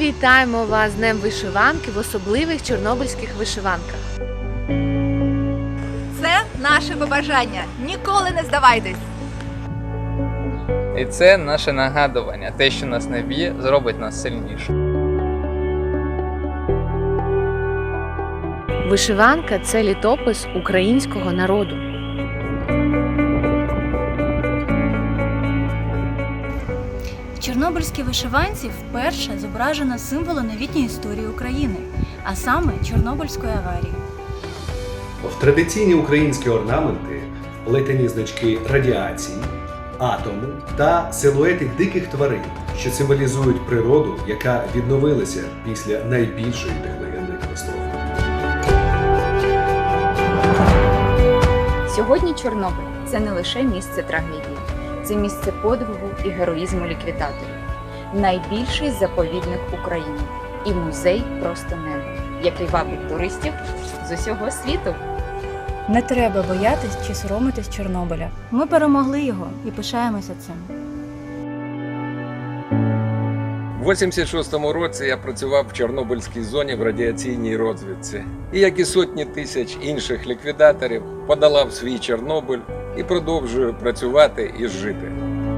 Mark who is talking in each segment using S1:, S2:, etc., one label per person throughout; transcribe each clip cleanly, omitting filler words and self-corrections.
S1: вітаємо вас з Днем вишиванки в особливих чорнобильських вишиванках.
S2: Це наше побажання. Ніколи не здавайтесь!
S3: І це наше нагадування. Те, що нас не б'є, зробить нас сильніше.
S1: Вишиванка – це літопис українського народу.
S4: В чорнобильській вишиванці вперше зображено символи новітньої історії України, а саме Чорнобильської аварії.
S5: В традиційні українські орнаменти вплетені значки радіації, атому та силуети диких тварин, що символізують природу, яка відновилася після найбільшої техногенної катастрофи.
S6: Сьогодні Чорнобиль – це не лише місце трагедії, це місце подвигу і героїзму ліквідаторів, найбільший заповідник України і музей просто неба, який вабить туристів з усього світу.
S4: Не треба боятись чи соромитись Чорнобиля. Ми перемогли його і пишаємося цим.
S7: У 86-му році я працював в Чорнобильській зоні в радіаційній розвідці. І, як і сотні тисяч інших ліквідаторів, подолав свій Чорнобиль і продовжую працювати і жити.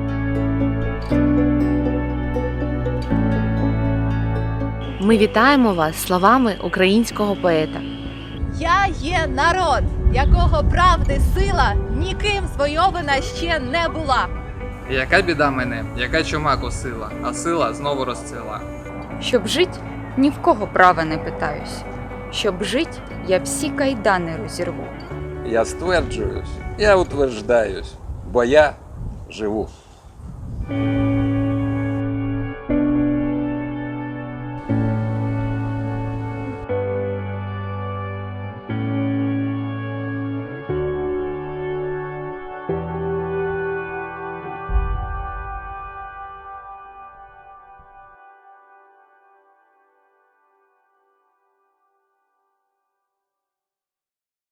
S1: Ми вітаємо вас словами українського поета.
S2: Я є народ, якого правди сила ніким звойована ще не була.
S3: Яка біда мене, яка чума косила, а сила знову розцвіла.
S6: Щоб жить, ні в кого права не питаюсь. Щоб жить, я всі кайдани розірву.
S7: Я стверджуюсь, я утверждаюсь, бо я живу.